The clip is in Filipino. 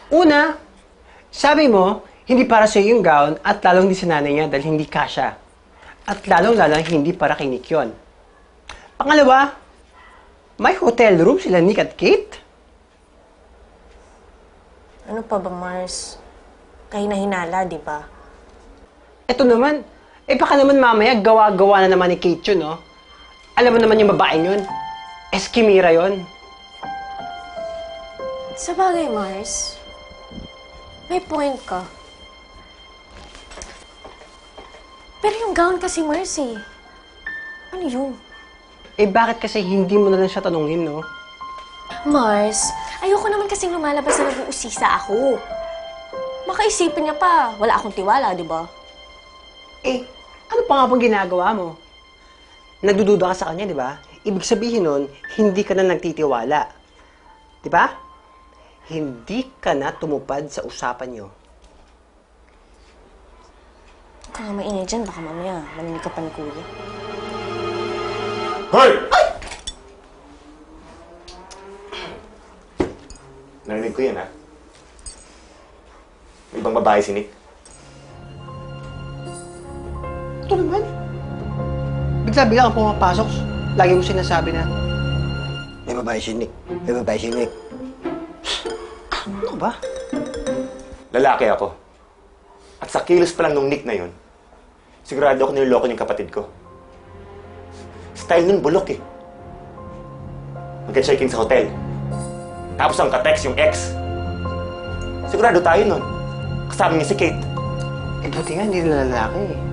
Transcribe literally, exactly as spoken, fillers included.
Una, sabi mo, hindi para sa yung gown at lalong hindi sa nanay niya dahil hindi kasya. At lalong-lalong hindi para kay Nick yun. Pangalawa, may hotel room sila Nick at Kate. Ano pa ba, Mars? Kahina-hinala, di ba? Ito naman, eh baka naman mamaya gawa-gawa na naman ni Kate yun, no? Alam mo naman yung babaeng yun. Eskimira yun. Sa bagay, Mars, may point ka. Pero yung gown kasi, Mars, eh. Ano yun? Eh bakit kasi hindi mo na lang siya tanungin, no? Mars, ayoko naman kasing lumalabas na nag-uusisa ako. Makaisipin niya pa, wala akong tiwala, di ba? Eh, ano pa nga bang ginagawa mo? Nagdududa ka sa kanya, di ba? Ibig sabihin nun, hindi ka na nagtitiwala. Di ba? Hindi ka na tumupad sa usapan nyo. Huwag ka nga maingay dyan, baka mamaya maninig ka pa ni Kuya. Hoy! Ay! Narinig ko yan, ha? May ibang babae si Nick. Ito naman. Bigla-bigla kang pumapasok. Lagi mo sinasabi na, may babae si Nick. May babae si Nick. Ano ba? Lalaki ako. At sa kilos pa lang nung Nick na yun, sigurado ako niloloko yung kapatid ko. Style nun bulok eh. Magka-check-in sa hotel. Tapos ang ka-text yung ex. Sigurado tayo nun. Kasama niya si Kate. Eh, buti nga hindi na lalaki eh.